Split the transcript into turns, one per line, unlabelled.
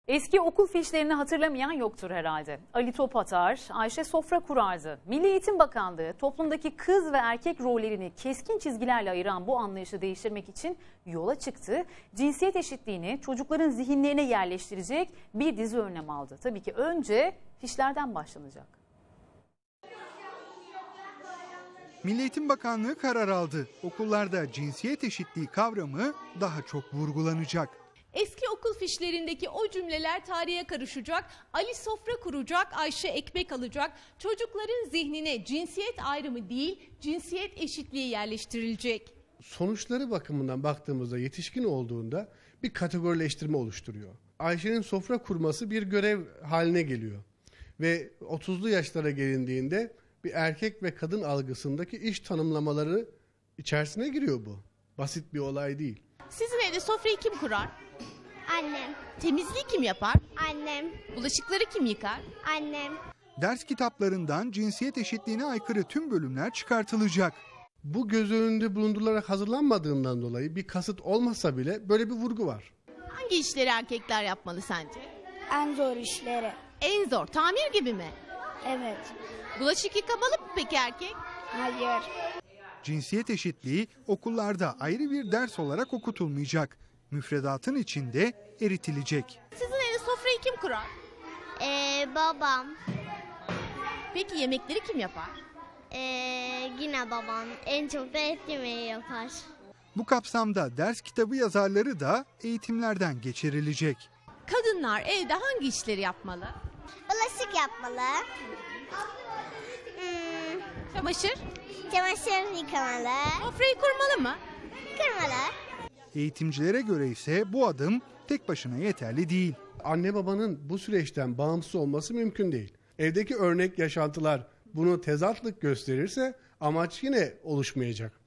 Eski okul fişlerini hatırlamayan yoktur herhalde. Ali top atar, Ayşe sofra kurardı. Milli Eğitim Bakanlığı toplumdaki kız ve erkek rollerini keskin çizgilerle ayıran bu anlayışı değiştirmek için yola çıktı. Cinsiyet eşitliğini çocukların zihinlerine yerleştirecek bir dizi önlem aldı. Tabii ki önce fişlerden başlanacak.
Milli Eğitim Bakanlığı karar aldı. Okullarda cinsiyet eşitliği kavramı daha çok vurgulanacak.
Eski okul fişlerindeki o cümleler tarihe karışacak, Ali sofra kuracak, Ayşe ekmek alacak, çocukların zihnine cinsiyet ayrımı değil, cinsiyet eşitliği yerleştirilecek.
Sonuçları bakımından baktığımızda yetişkin olduğunda bir kategorileştirme oluşturuyor. Ayşe'nin sofra kurması bir görev haline geliyor ve 30'lu yaşlara gelindiğinde bir erkek ve kadın algısındaki iş tanımlamaları içerisine giriyor bu. Basit bir olay değil.
Sizin evde sofrayı kim kurar?
Annem.
Temizliği kim yapar?
Annem.
Bulaşıkları kim yıkar?
Annem.
Ders kitaplarından cinsiyet eşitliğine aykırı tüm bölümler çıkartılacak.
Bu göz önünde bulundurularak hazırlanmadığından dolayı bir kasıt olmasa bile böyle bir vurgu var.
Hangi işleri erkekler yapmalı sence?
En zor işleri.
En zor, tamir gibi mi?
Evet.
Bulaşık yıkamalı mı peki erkek?
Hayır.
Cinsiyet eşitliği okullarda ayrı bir ders olarak okutulmayacak. Müfredatın içinde eritilecek.
Sizin evde sofrayı kim kurar?
Babam.
Peki yemekleri kim yapar?
Yine babam. En çok da et yemeği yapar.
Bu kapsamda ders kitabı yazarları da eğitimlerden geçirilecek.
Kadınlar evde hangi işleri yapmalı?
Bulaşık yapmalı.
Çamaşır?
Çamaşır yıkamalı.
Sofrayı kurmalı mı?
Kırmalı.
Eğitimcilere göre ise bu adım tek başına yeterli değil.
Anne babanın bu süreçten bağımsız olması mümkün değil. Evdeki örnek yaşantılar bunu tezatlık gösterirse amaç yine oluşmayacak.